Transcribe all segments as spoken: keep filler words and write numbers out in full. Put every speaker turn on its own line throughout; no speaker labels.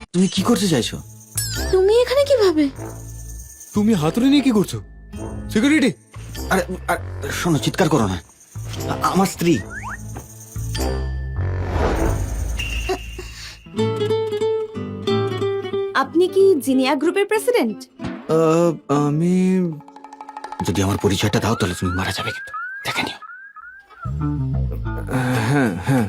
তুমি কি করতে চাইছো?
তুমি এখানে কিভাবে?
তুমি হাতুড়ি নিয়ে কি করছো? সিকিউরিটি!
আরে আরে, শোনো, চিৎকার করো না। আ- আমার স্ত্রী।
আপনি কি জিনিয়া গ্রুপের প্রেসিডেন্ট?
আহ, আমি যদি আমার পরিচয়টা দাও তাহলে তুমি মারা যাবে, কিন্তু দেখে নিও।
হ্যাঁ হ্যাঁ,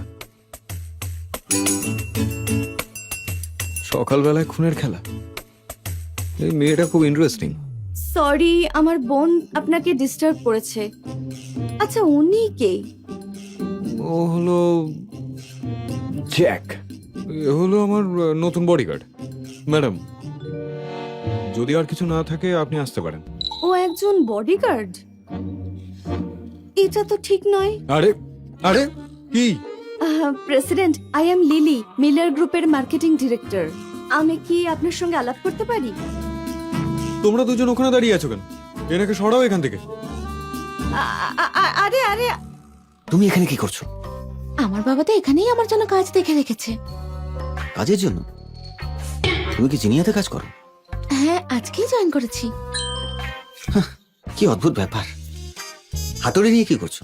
সকালবেলায় খুনের খেলা। এই মেয়েটা খুব ইন্টারেস্টিং।
সরি, আমার বোন আপনাকে ডিস্টার্ব করেছে। আচ্ছা, উনি কে?
ও হলো জ্যাক। এ হলো আমার আহ, নতুন বডিগার্ড। ম্যাডাম, যদি আর কিছু না থাকে আপনি আসতে পারেন।
ও একজন বডিগার্ড? এটা তো ঠিক নয়।
আরে আরে কি?
President, I am Lily, Miller গ্রুপের মার্কেটিং ডিরেক্টর। আমি কি আপনার সঙ্গে আলাপ করতে পারি?
তোমরা দুজন ওখানে দাঁড়িয়ে আছো কেন? এনাকে সরাও এখান থেকে।
আ- আ- আ- আরে আরে,
তুমি এখানে কি করছো?
আমার বাবা তো এখানেই আমার জন্য কাজ দেখে রেখেছে।
কাজের জন্য? তুমি কি জিনিয়াতে কাজ করো?
হ্যাঁ, আজকেই জয়েন করেছি।
কি অদ্ভুত ব্যাপার। হাতুড়ি নিয়ে কি করছো?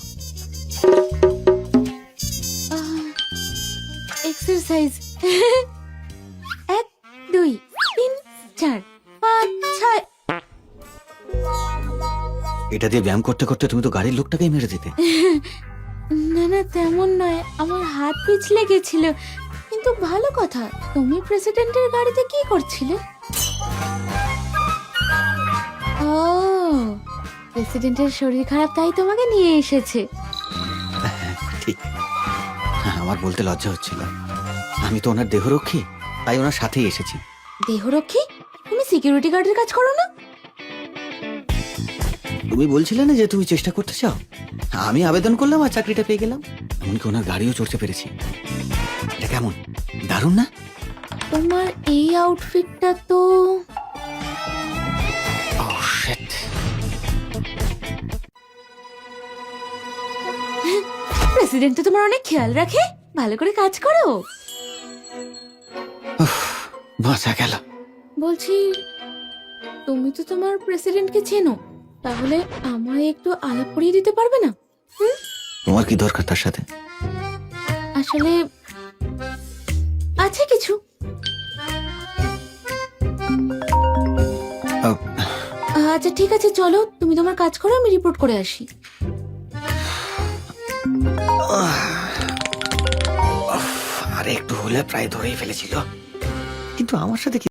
এক্সারসাইজ। এক, দুই, তিন, চার, পাঁচ, ছয়।
এটা দিয়ে ব্যায়াম করতে করতে তুমি তো গাড়ির লোকটাকেই মেরে দিতে।
না না, তেমন নয়, আমার হাত পিছলে গেছিল। কিন্তু ভালো কথা, তুমি প্রেসিডেন্টের গাড়িতে কি করছিলে? ও, প্রেসিডেন্টের শরীর খারাপ তাই তোমাকে নিয়ে এসেছে।
ঠিক। হ্যাঁ, আমার বলতে লজ্জা হচ্ছিল। আমি তো ওনার দেহরক্ষী, তাই ওনার সাথেই এসেছি।
দেহরক্ষী? তুমি সিকিউরিটি গার্ডের কাজ করো না?
তুমি বলছিলে না যে তুমি চেষ্টা করতে চাও? আমি আবেদন করলাম আর চাকরিটা পেয়ে গেলাম। এমনকি ওনার গাড়িও চড়তে পেরেছি। এটা কেমন, দারুণ না?
তোমার এই আউটফিটটা তো
Oh, shit.
প্রেসিডেন্ট তো তোমার অনেক খেয়াল রাখে, ভালো করে কাজ করো।
বাঁচা গেল।
বলছি, তুমি তো তোমার প্রেসিডেন্টকে চেনো, তাহলে আমায় একটু আলাপ করিয়ে দিতে পারবে না? হুম?
তোমার কি দরকার তার সাথে?
আসলে আছে কিছু।
আহ,
আচ্ছা ঠিক আছে, চলো তুমি তোমার কাজ করো, আমি রিপোর্ট করে আসি।
আরে একটু হলে প্রায় ধরেই ফেলেছিল, কিন্তু আমার সাথে কি